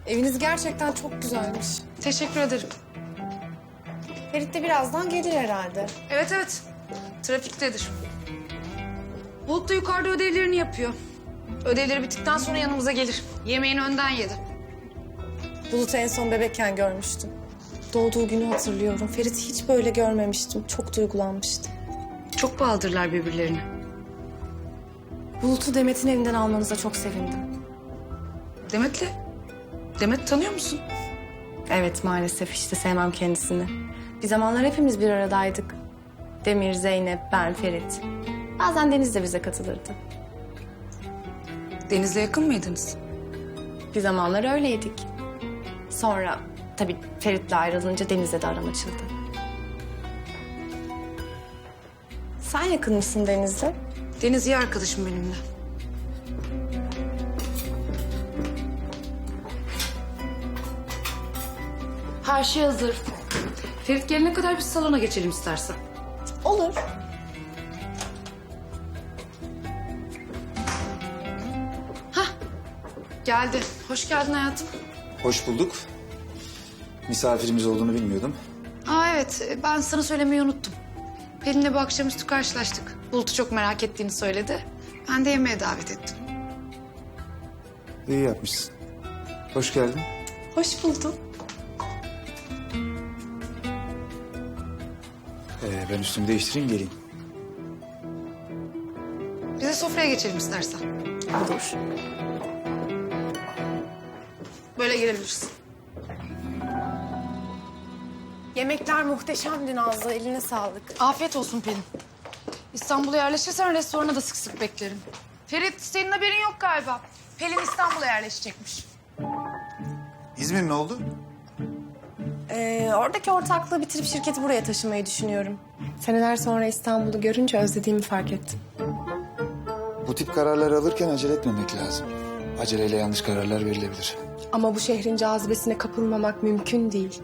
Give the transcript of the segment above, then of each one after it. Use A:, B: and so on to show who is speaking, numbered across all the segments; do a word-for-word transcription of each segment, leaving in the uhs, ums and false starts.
A: Eviniz gerçekten çok güzelmiş.
B: Teşekkür ederim.
A: Ferit de birazdan gelir herhalde.
B: Evet evet. Trafiktedir. Bulut da yukarıda ödevlerini yapıyor. Ödevleri bittikten sonra yanımıza gelir. Yemeğini önden yedi.
A: Bulut'u en son bebekken görmüştüm. Doğduğu günü hatırlıyorum. Ferit'i hiç böyle görmemiştim. Çok duygulanmıştım.
B: Çok bağlıdırlar birbirlerine.
A: Bulut'u Demet'in evinden almanıza çok sevindim.
B: Demet'le? Demet tanıyor musun?
A: Evet, maalesef işte sevmem kendisini. Bir zamanlar hepimiz bir aradaydık. Demir, Zeynep, ben, Ferit. Bazen Deniz de bize katılırdı.
B: Deniz'le yakın mıydınız?
A: Bir zamanlar öyleydik. Sonra tabii Ferit'le ayrılınca Deniz'le de aram açıldı. Sen yakın mısın Deniz'le?
B: Deniz iyi arkadaşım benimle. Her şey hazır. Ferit gelene kadar biz salona geçelim istersen.
A: Olur.
B: Geldi. Hoş geldin hayatım.
C: Hoş bulduk. Misafirimiz olduğunu bilmiyordum.
B: Aa evet, ben sana söylemeyi unuttum. Pelin'le bu akşamüstü karşılaştık. Bulut'u çok merak ettiğini söyledi. Ben de yemeğe davet ettim.
C: İyi yapmışsın. Hoş geldin.
A: Hoş buldum.
C: Ee, ben üstümü değiştireyim geleyim.
B: Biz de sofraya geçelim istersen.
A: Olur.
B: Böyle gelebilirsin.
A: Yemekler muhteşemdi Nazlı. Eline sağlık.
B: Afiyet olsun Pelin. İstanbul'a yerleşirsen restorana da sık sık beklerim. Ferit, senin haberin yok galiba. Pelin İstanbul'a yerleşecekmiş.
C: İzmir ne oldu?
A: Ee, oradaki ortaklığı bitirip şirketi buraya taşımayı düşünüyorum. Seneler sonra İstanbul'u görünce özlediğimi fark ettim.
C: Bu tip kararları alırken acele etmemek lazım. Aceleyle yanlış kararlar verilebilir.
A: Ama bu şehrin cazibesine kapılmamak mümkün değil.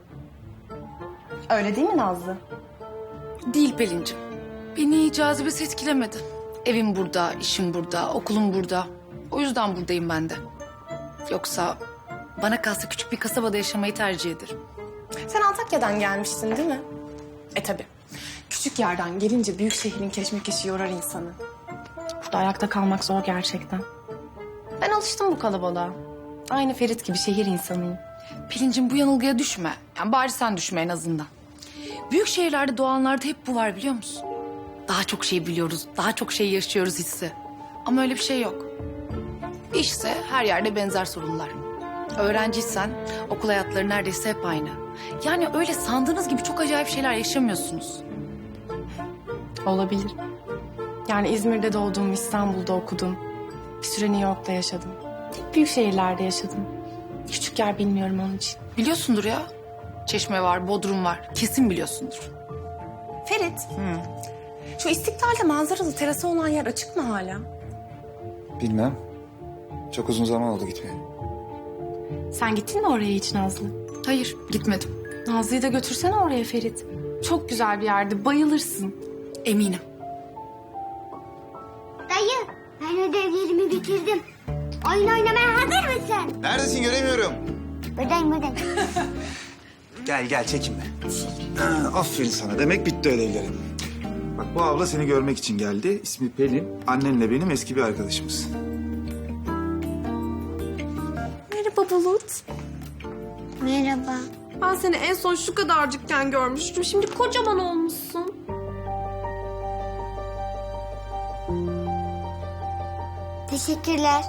A: Öyle değil mi Nazlı?
B: Değil Pelin'cim. Beni cazibesi etkilemedi. Evim burada, işim burada, okulum burada. O yüzden buradayım ben de. Yoksa bana kalsa küçük bir kasabada yaşamayı tercih ederim.
A: Sen Antakya'dan gelmiştin değil mi? E tabii. Küçük yerden gelince büyük şehrin keşmekeşi yorar insanı. Burada ayakta kalmak zor gerçekten. Ben alıştım bu kalabalığa. Aynı Ferit gibi şehir insanıyım.
B: Pelin'cim bu yanılgıya düşme. Yani bari sen düşme en azından. Büyük şehirlerde doğanlarda hep bu var biliyor musun? Daha çok şey biliyoruz, daha çok şey yaşıyoruz hissi. Ama öyle bir şey yok. İşse her yerde benzer sorunlar. Öğrenciysen okul hayatları neredeyse hep aynı. Yani öyle sandığınız gibi çok acayip şeyler yaşamıyorsunuz.
A: Olabilir. Yani İzmir'de doğdum, İstanbul'da okudum. Bir süre New York'ta yaşadım. Hep büyük şehirlerde yaşadım. Küçük yer bilmiyorum onun için.
B: Biliyorsundur ya. Çeşme var, Bodrum var. Kesin biliyorsundur.
A: Ferit. Şu İstiklal'de manzaralı terası olan yer açık mı hala?
C: Bilmem. Çok uzun zaman oldu gitmeyeli.
A: Sen gittin mi oraya hiç Nazlı?
B: Hayır, gitmedim.
A: Nazlı'yı da götürsene oraya Ferit. Çok güzel bir yerdi, bayılırsın.
B: Eminim.
D: Dayı, ben ödevlerimi bitirdim. Oyun oynamaya hazır mısın?
C: Neredesin göremiyorum.
D: Buradayım, buradayım.
C: Gel gel çekinme. Ha, aferin sana. Demek bitti ödevlerin. Bak bu abla seni görmek için geldi. İsmi Pelin. Annenle benim eski bir arkadaşımız.
A: Merhaba Bulut.
D: Merhaba.
A: Ben seni en son şu kadarcıkken görmüştüm. Şimdi kocaman olmuşsun.
D: Teşekkürler.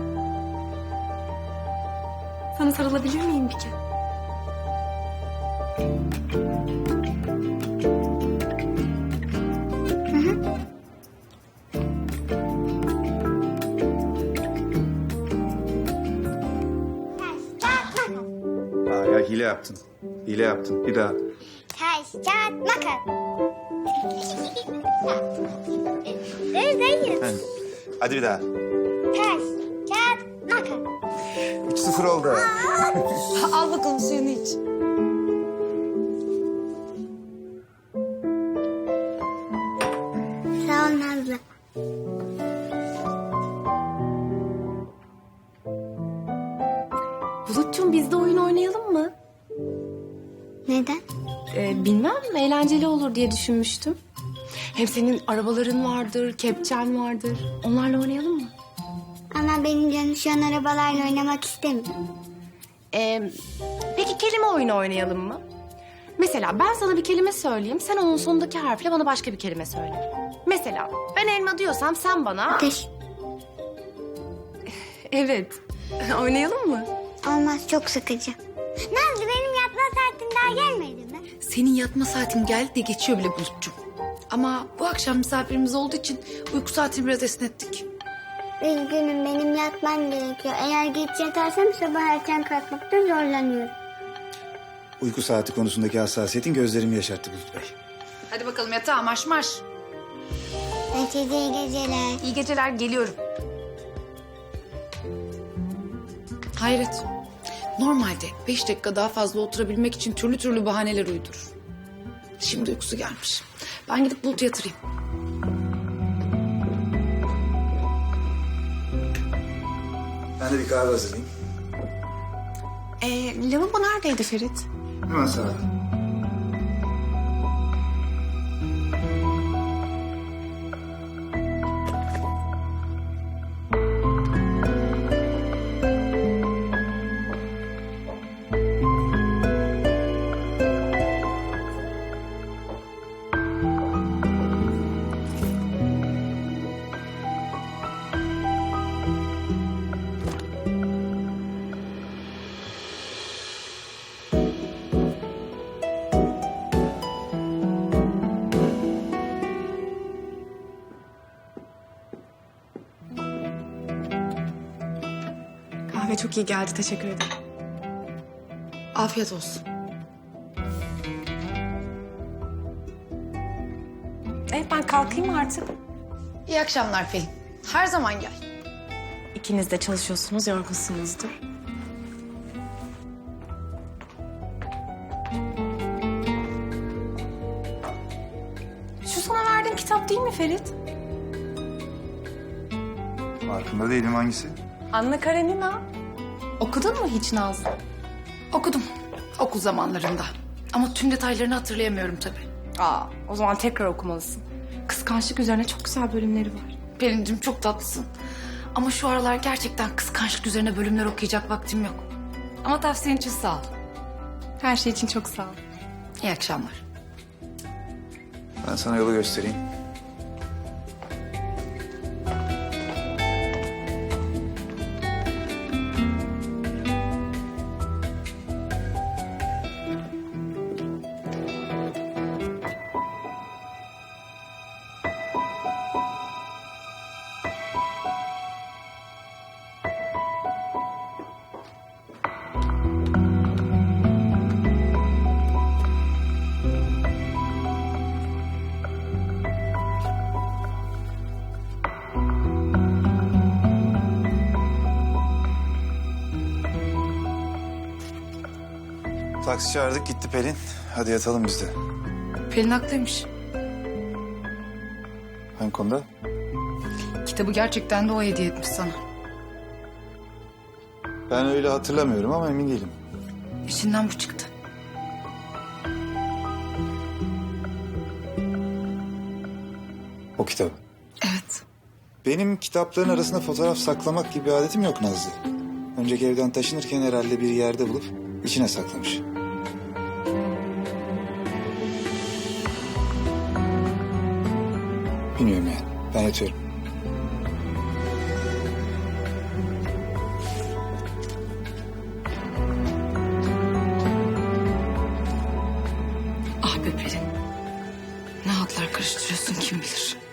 A: Sana sarılabilir miyim bir kere?
C: Aa, ya hile yaptın. Hile yaptın. Bir daha.
D: Taş, kağıt, makas. Dur dayı.
C: Hadi, Hadi bir daha.
D: Taş, kağıt, makas.
C: Üç sıfır oldu.
B: Al bakalım suyunu iç.
D: Sağ ol Nazlı.
A: Bulut'cum biz de oyun oynayalım mı?
D: Neden?
A: Ee, bilmem, eğlenceli olur diye düşünmüştüm. Hem senin arabaların vardır, kepçen vardır. Onlarla oynayalım mı?
D: Ama benim canım şu an arabalarla oynamak istemiyor.
A: Ee, peki kelime oyunu oynayalım mı? Mesela ben sana bir kelime söyleyeyim, sen onun sonundaki harfle bana başka bir kelime söyle. Mesela ben elma diyorsam sen bana...
D: Ateş.
A: Evet. Oynayalım mı?
D: Olmaz, çok sıkıcı. Nazlı, benim yatma saatim daha gelmedi mi?
B: Senin yatma saatin geldi de geçiyor bile Bulut'cum. Ama bu akşam misafirimiz olduğu için uyku saatini biraz esnettik.
D: Üzgünüm, benim yatmam gerekiyor. Eğer geç yatarsam sabah erken kalkmakta zorlanıyorum.
C: Uyku saati konusundaki hassasiyetin gözlerimi yaşarttı Bulut Bey.
B: Hadi bakalım yatağa marş marş.
D: Herkese iyi geceler.
B: İyi geceler, geliyorum. Hayret. Normalde beş dakika daha fazla oturabilmek için türlü türlü bahaneler uydurur. Şimdi uykusu gelmiş. Ben gidip Bulut'u yatırayım.
C: Ben de bir kahve hazırlayayım.
A: Ee, lavabo neredeydi Ferit?
C: Hemen sağda.
A: Kahve çok iyi geldi, teşekkür ederim.
B: Afiyet olsun.
A: Evet, ben kalkayım artık.
B: İyi akşamlar Pelin. Her zaman gel.
A: İkiniz de çalışıyorsunuz, yorgunsunuzdur. Şu sana verdiğim kitap değil mi Ferit?
C: Farkında değilim hangisi?
A: Anna Karenina. Okudun mu hiç Nazlı?
B: Okudum. Okul zamanlarında. Ama tüm detaylarını hatırlayamıyorum tabii.
A: Aa, o zaman tekrar okumalısın. Kıskançlık üzerine çok güzel bölümleri var.
B: Pelin'cim çok tatlısın. Ama şu aralar gerçekten kıskançlık üzerine bölümler okuyacak vaktim yok. Ama tavsiyen için sağ ol.
A: Her şey için çok sağ ol.
B: İyi akşamlar.
C: Ben sana yolu göstereyim. Taksi çağırdık gitti Pelin. Hadi yatalım biz de.
B: Pelin haklıymış.
C: Hangi konuda?
B: Kitabı gerçekten de o hediye etmiş sana.
C: Ben öyle hatırlamıyorum ama emin değilim.
B: İçinden bu çıktı.
C: O kitabı.
B: Evet.
C: Benim kitapların arasında fotoğraf saklamak gibi bir adetim yok Nazlı. Önceki evden taşınırken herhalde bir yerde bulup içine saklamış. Bilmiyorum yani. Ben yatıyorum.
B: Ah be Pelin. Ne hatlar karıştırıyorsun kim bilir.